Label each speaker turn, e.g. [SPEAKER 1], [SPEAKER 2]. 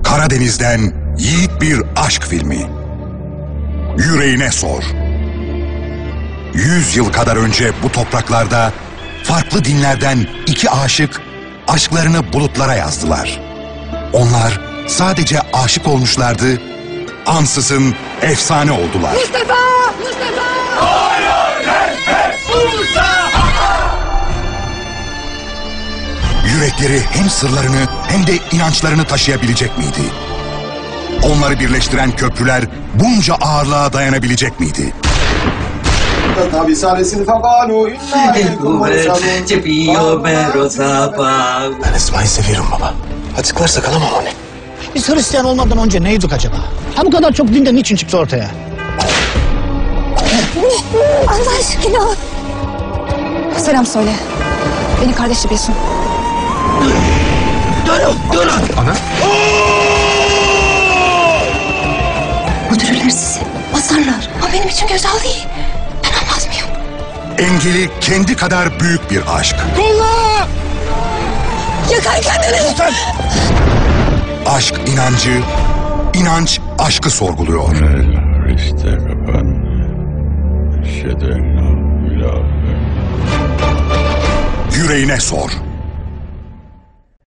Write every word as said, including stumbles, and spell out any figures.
[SPEAKER 1] Karadeniz'den yiğit bir aşk filmi. Yüreğine sor. Yüz yıl kadar önce bu topraklarda farklı dinlerden iki aşık aşklarını bulutlara yazdılar. Onlar sadece aşık olmuşlardı, ansızın efsane oldular.
[SPEAKER 2] Mustafa! Mustafa! Hayır! Mustafa!
[SPEAKER 1] Yürekleri hem sırlarını hem de inançlarını taşıyabilecek miydi? Onları birleştiren köprüler bunca ağırlığa dayanabilecek miydi?
[SPEAKER 3] Tabi saresini fakanu
[SPEAKER 4] Ben Esma'yı seviyorum baba. Açıklarsa kalamam onu.
[SPEAKER 5] Biz Hristiyan olmadan önce neydik acaba? Ha bu kadar çok dinde niçin çıktı ortaya?
[SPEAKER 2] Allah aşkına! Selam söyle. Beni kardeşi bilsin.
[SPEAKER 5] Durun, durun!
[SPEAKER 4] Ana?
[SPEAKER 2] Öldürürler sizi. Basarlar. Ama benim için güzel değil. Ben olmaz mıyım?
[SPEAKER 1] Engeli kendi kadar büyük bir aşk.
[SPEAKER 5] Kolla!
[SPEAKER 2] Yakar kendini!
[SPEAKER 1] Aşk inancı, inanç aşkı sorguluyor.
[SPEAKER 6] İşte kapan. Eşhedü en la ilahe.
[SPEAKER 1] Yüreğine sor.